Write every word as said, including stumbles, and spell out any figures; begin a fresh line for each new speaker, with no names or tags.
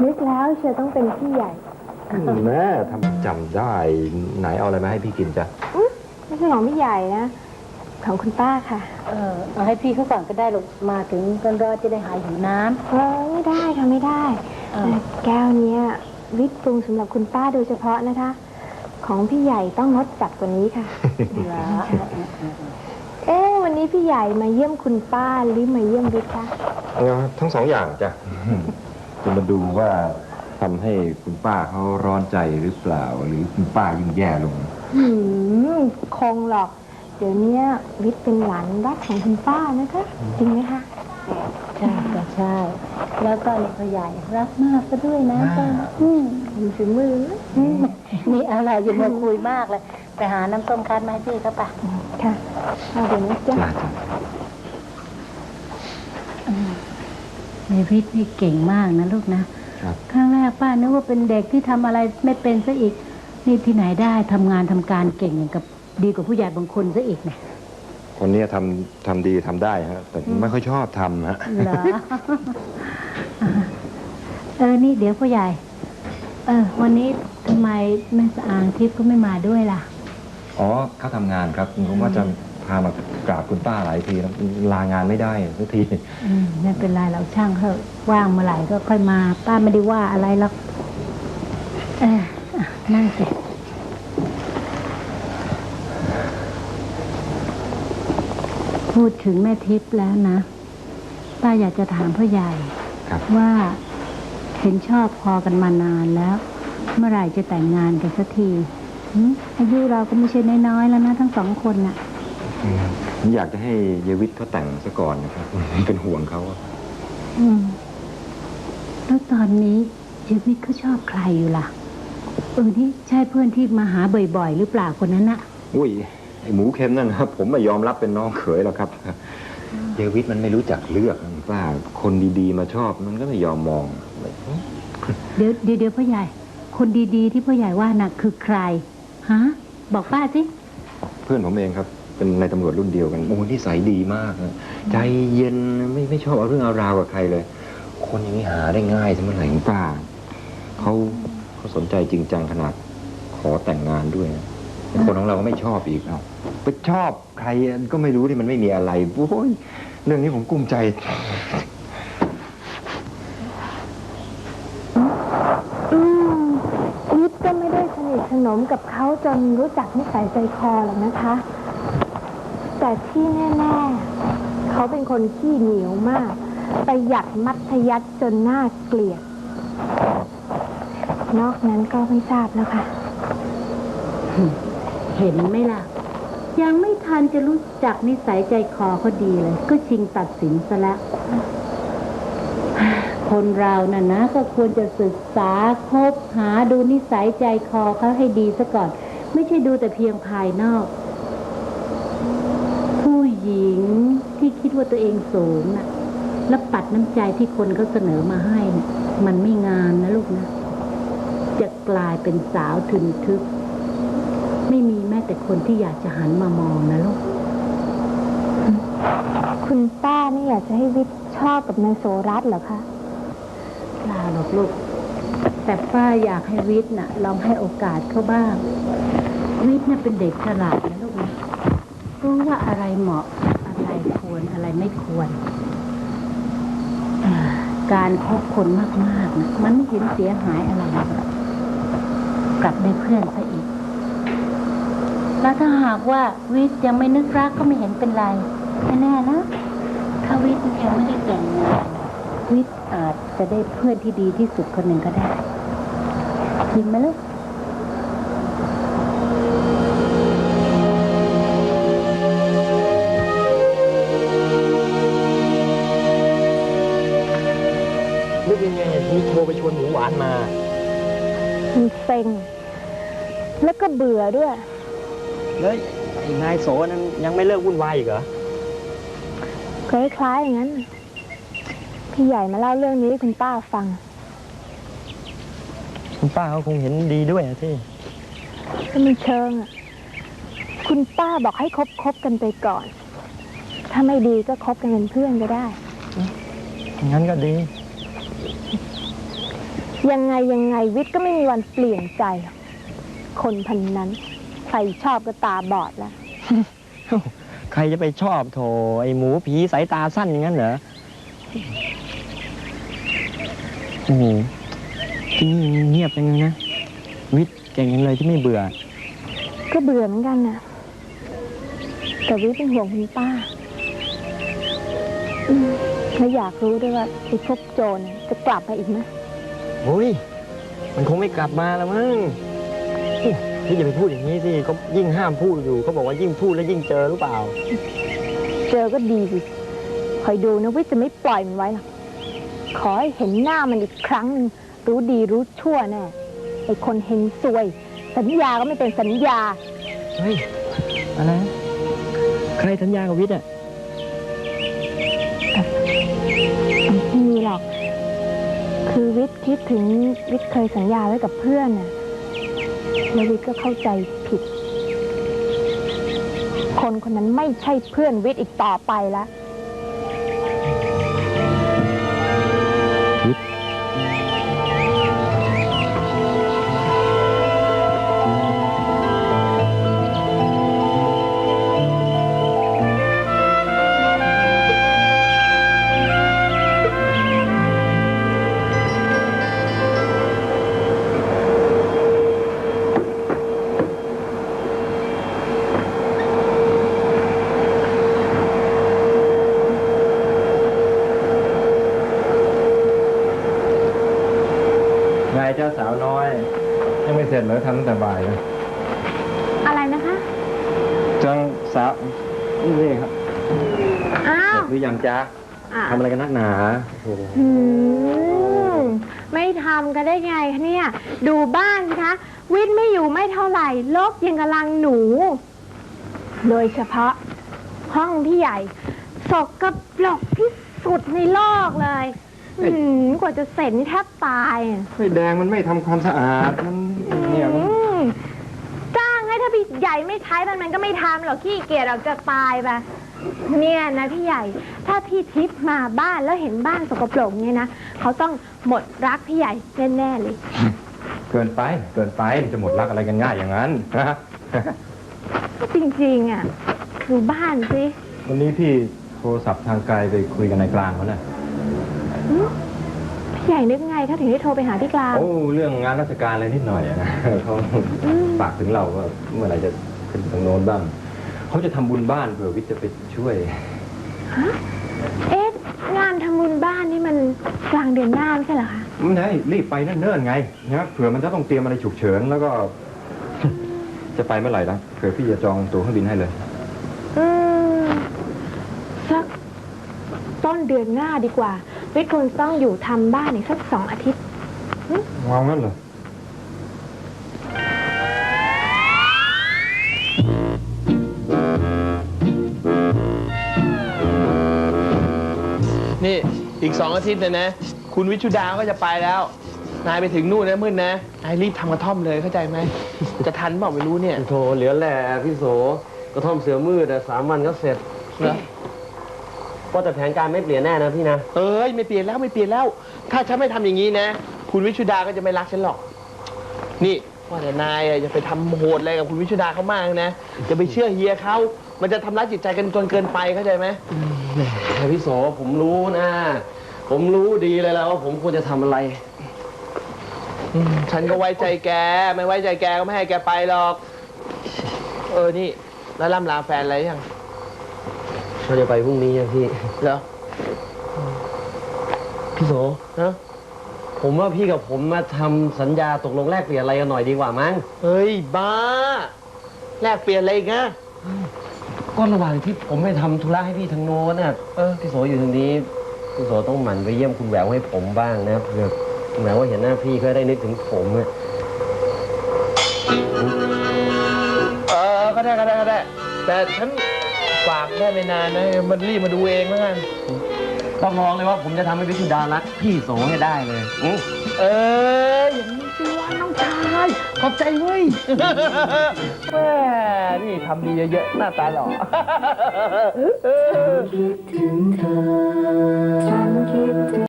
นึกแล้วเชียร์ต้องเป็นพี่ใหญ่
แม่ทำจำได้ไหนเอาอะไรมาให้พี่กินจ้ะ
ไม่ใช่ของพี่ใหญ่นะของคุณป้าค่ะ
เออเอาให้พี่เขาก่อนก็ได้ลูกมาถึงร้อนร้อนจะได้หายหิวน้ำ
เออไม่ได้ค่ะไม่ได้แก้วเนี้ยวิทย์ปรุงสำหรับคุณป้าโดยเฉพาะนะคะของพี่ใหญ่ต้องงดจัดกว่านี้ค่ะเหรอเอ๊ะวันนี้พี่ใหญ่มาเยี่ยมคุณป้าหรือมาเยี่ยมวิทย์คะ
ทั้งสองอย่างจ้ะจะมาดูว่าทำให้คุณป้าเขาร้อนใจหรือเปล่าหรือคุณป้ายิ่งแย่ลง
อืมคงหรอกเดี๋ยวนี้วิทย์เป็นหลานรักของคุณป้านะคะจริงไหมคะ
ใช่ก็ใช่แล้วก็นี่พ่อใหญ่รักมากซะด้วยนะป้าอืม
มีฝีมือ
นี่อะไรอย่ามาคุยมากเลยไปหาน้ำส้มคั้นมาให้พี่เขาป่ะ
ค่ะเอาเดี๋ยวนี้จ้ะ
ในวิทย์นี่เก่งมากนะลูกนะครั้งแรกป้านึกว่าเป็นเด็กที่ทำอะไรไม่เป็นซะอีกนี่ที่ไหนได้ทำงานทำการเก่งอย่างกับดีกว่าผู้ใหญ่บางคนซะอีกเนี่ย
คนนี้ทำทำดีทำได้ฮะแต่ไม่ค่อยชอบทำฮะ
เหรอเออนี่เดี๋ยวผู้ใหญ่เออวันนี้ทำไมแม่สางทิพย์ก็ไม่มาด้วยล่ะ
อ๋อเขาทำงานครับผมว่าจะพามากราบคุณป้าหลายทีแล้วลางานไม่ได้สักที
อืมไม่เป็นไรเราช่างเถอะว่างเมื่อไหร่ก็ค่อยมาป้าไม่ได้ว่าอะไรหรอกเออนั่งสิพูดถึงแม่ทิพย์แล้วนะป้าอยากจะถามพ่อใหญ่ว่าเห็นชอบพอกันมานานแล้วเมื่อไหร่จะแต่งงานกันสักทีอายุเราก็ไม่ใช่น้อยๆแล้วนะทั้งสองคนน่ะ
ผมอยากจะให้เยวิทเขาแต่งซะก่อนนะครับเป็นห่วงเขา
อืมแล้วตอนนี้เยวิทเขาชอบใครอยู่ล่ะเออที่ใช่เพื่อนที่มาหาบ่อยๆหรือเปล่าคนนั้นน่ะ
อุ้ยไอหมูเค็มนั่นครับผมไม่ยอมรับเป็นน้องเขยหรอกครับเยวิทมันไม่รู้จักเลือกป้าคนดีๆมาชอบมันก็ไม่ยอมมอง
เดี๋ยวเดี๋ยวเดี๋ยวพ่อใหญ่คนดีๆที่พ่อใหญ่ว่าน่ะคือใครฮะบอกป้าสิ
เพื่อนผมเองครับเป็นนายตำรวจรุ่นเดียวกันโอ้นิสัยดีมากใจเย็นไม่ไม่ชอบเอาเรื่องเอาราวกับใครเลยคนอย่างนี้หาได้ง่ายสมัยไหนป้าเขาเขาสนใจจริงจังขนาดขอแต่งงานด้วยคนของเราก็ไม่ชอบอีกเอาไปชอบใครก็ไม่รู้ที่มันไม่มีอะไรโอ้ยเรื่องนี้ผมกุ้มใจ
อืมวิทย์ก็ไม่ได้สนิทสนมกับเขาจนรู้จักนิสัยใจคอหรอกนะคะแต่ที่แน่ๆเขาเป็นคนขี้เหนียวมากประหยัดมัธยัสถ์จนน่าเกลียดนอกนั้นก็ไม่ทราบแล้วค่ะ
เห็นไหมล่ะยังไม่ทันจะรู้จักนิสัยใจคอเขาดีเลยก็ชิงตัดสินซะแล้วคนเราน่ะนะก็ควรจะศึกษาคบหาดูนิสัยใจคอเขาให้ดีซะก่อนไม่ใช่ดูแต่เพียงภายนอกผู้หญิงที่คิดว่าตัวเองสูงน่ะแล้วปัดน้ำใจที่คนเขาเสนอมาให้น่ะมันไม่งามนะลูกนะจะกลายเป็นสาวทึนทึกไม่มีแม้แต่คนที่อยากจะหันมามองนะลูก
คุณป้านี่อยากจะให้วิทย์ชอบกับนายโสรัตน์เหรอคะ
เปล่าหรอกลูกแต่ป้าอยากให้วิทย์น่ะลองให้โอกาสเขาบ้างวิทย์น่ะเป็นเด็กฉลาดนะลูกนะรู้ว่าอะไรเหมาะอะไรควรอะไรไม่ควรการคบคนมากๆนะมันไม่เห็นเสียหายอะไรกลับได้เพื่อนซะอีกแล้วถ้าหากว่าวิทย์ยังไม่นึกรักก็ไม่เห็นเป็นไรแน่ๆนะถ้าวิทย์ยังไม่ได้แต่งงานวิทย์อาจจะได้เพื่อนที่ดีที่สุดคนหนึ่งก็ได้จริงไหมลูก
นึกยังไงมีโทรไปชวนหมูหวานมา
มันเซ็งแล้วก็เบื่อด้วย
แล้วนายโสนั้นยังไม่เลิกวุ่นวายอีกเหรอ
คล้ายๆอย่างนั้นพี่ใหญ่มาเล่าเรื่องนี้ให้คุณป้าฟัง
คุณป้าเขาคงเห็นดีด้วยนะที่
ก็มีเชิงอ่ะคุณป้าบอกให้คบคบกันไปก่อนถ้าไม่ดีก็คบกันเป็นเพื่อนก็ได้
งั้นก็ดี
ยังไงยังไงวิทย์ก็ไม่มีวันเปลี่ยนใจหรอกคนพันนั้นใครชอบก็ตาบอดแล้ว
ใครจะไปชอบโถไอหมูผีสายตาสั้นอย่างนั้นเหรอโอ้โหที่นี่เงียบจังเลยนะวิทย์เก่งจังเลยที่ไม่เบื่อ
ก็เบื่อเหมือนกันนะแต่วิทย์เป็นห่วงคุณป้าอืมและอยากรู้ด้วยว่าไอ้พวกโจรจะกลับมาอีกไหม
โอ้ยมันคงไม่กลับมาแล้วมั้งอุ๊ยพี่อย่าไปพูดอย่างนี้สิเขายิ่งห้ามพูดอยู่เขาบอกว่ายิ่งพูดแล้วยิ่งเจอหรือเปล่า
เจอก็ดีสิคอยดูนะวิทย์จะไม่ปล่อยมันไว้หรอกขอให้เห็นหน้ามันอีกครั้งหนึ่งรู้ดีรู้ชั่วแน่ไอ้คนเฮงซวย สัญญาก็ไม่เป็นสัญญา
เฮ้ยอะไรนะใครสัญญากับวิทย์อ่ะ
ไม่มีหรอก คือวิทย์คิดถึงวิทย์เคยสัญญาไว้กับเพื่อนน่ะแล้ววิทย์ก็เข้าใจผิด คนคนนั้นไม่ใช่เพื่อนวิทย์อีกต่อไปแล้ว
วิทย์
นายเจ้าสาวน้อย ยังไม่เสร็จเหรอทำตั้งแต่บ่ายนะ
อะไรนะคะ
จังสาวนี่ครับ
อ้า
เสร็
ว
จหรือยังจ๊ะ
อ่ะ
ทำอะไรกันนักหนาโอ้โห
อืมไม่ทำกันได้ไงคะเนี่ย ดูบ้านสิคะ วิทย์ไม่อยู่ไม่เท่าไหร่ลกยังกำลังหนู โดยเฉพาะ ห้องพี่ใหญ่ สกปรกที่สุดในโลกเลยอืมกว่าจะเสร็จนี่แทบตายอะ
ไอ้แดงมันไม่ทำความสะอาดมันเนี่ยมัน
อืมจ้างให้ถ้าพี่ใหญ่ไม่ใช้มันมันก็ไม่ทำหรอกขี้เกียจเราจะตายไปเนี่ยนะพี่ใหญ่ ถ้าพี่ทิพย์มาบ้านแล้วเห็นบ้านสกปรกเนี่ยนะเขาต้องหมดรักพี่ใหญ่แน่ๆเลย
เกินไปเกินไปมันจะหมดรักอะไรกันง่ายอย่างนั้นนะ
จริงๆอ่ะดูบ้านสิ
วันนี้พี่โทรศัพท์ทางไกลไปคุยกันในกลางเขาน่ะ
อืมพี่ใหญ่นึกไงเขาถึงได้โทรไปหาพี่กลาง
โอ้เรื่องงานราชการอะไรนิดหน่อยอะนะเขา
อืม
ฝากถึงเราว่าเมื่อไหร่จะขึ้นทางโน้นบ้างเขาจะทำบุญบ้านเผื่อวิทย์จะไปช่วย
ฮะเอ๊ะงานทำบุญบ้านนี่มันกลางเดือนหน้าไม่ใช่เหรอคะ
มันได้รีบไปนั่นเนิ่นๆไงนะเผื่อมันจะต้องเตรียมอะไรฉุกเฉินแล้วก็ จะไปเมื่อไหร่นะเผื่อพี่จะจองตั๋วเครื่องบินให้เลย
อืมสักต้นเดือนหน้าดีกว่าวิทย์คงต้องอยู่ทำบ้านอีกสักสองอาทิตย์
เอางั้นเหรอ
นี่อีกสองอาทิตย์เนี่ยนะ คุณวิชุดาก็จะไปแล้ว นายไปถึงนู่นนะมืดนะนายรีบทำกระท่อมเลยเข้าใจไหม จะทันเปล่าไม่รู้เนี่ย
โถเหลือแหล่พี่โสกระท่อมเสือมืดอะสามวันก็เสร็จ
เหรอ
ว่าแต่แผนการไม่เปลี่ยนแน่นะพี่นะ
เอ้ยไม่เปลี่ยนแล้วไม่เปลี่ยนแล้ว ถ้าฉันไม่ทำอย่างนี้นะ คุณวิชุดาก็จะไม่รักฉันหรอก นี่ว่าแต่นายอะอย่าไปทำโหดอะไรกับคุณวิชุดาเขามากนะอย่าไปเชื่อเฮียเขามันจะทำร้ายจิตใจกันจนเกินไปเข้าใจไหม
แต่พี่โสผมรู้นะ ผมรู้ดีเลยแล้วว่าผมควรจะทำอะไร
อืมฉันก็ไว้ใจแก ไม่ไว้ใจแกก็ไม่ให้แกไปหรอก เออนี่แล้วล่ำลาแฟนอะไรยัง
เราจะไปพรุ่งนี้อะพี่
เหรอ
พี่โส
ฮะ
ผมว่าพี่กับผมมาทำสัญญาตกลงแลกเปลี่ยนอะไรกันหน่อยดีกว่ามั้ง
เฮ้ยบ้า แลกเปลี่ยนอะไรอีกนะ
ก็ระหว่างที่ผมไปทำธุระให้พี่ทางโน้นน่ะเออพี่โสอยู่ทางนี้ พี่โสต้องหมั่นไปเยี่ยมคุณแหววให้ผมบ้างนะเผื่อคุณแหววว่าเห็นหน้าพี่ก็ได้นึกถึงผมอะ
เออก็ได้ก็ได้ก็ได้ แต่ฉันฝากได้ไม่นานนะ มันรีบมาดูเองแล้วกัน
ต้องลองเลยว่าผมจะทำให้พิชุดารักพี่โสให้ได้เลยอือ
เอออย่างนี้สิว่าน้องชายขอบใจเว้ย แม่นี่ทำดีเยอะๆหน้าตาหล่อ
คิดถึงเธอ ฉันคิดถึง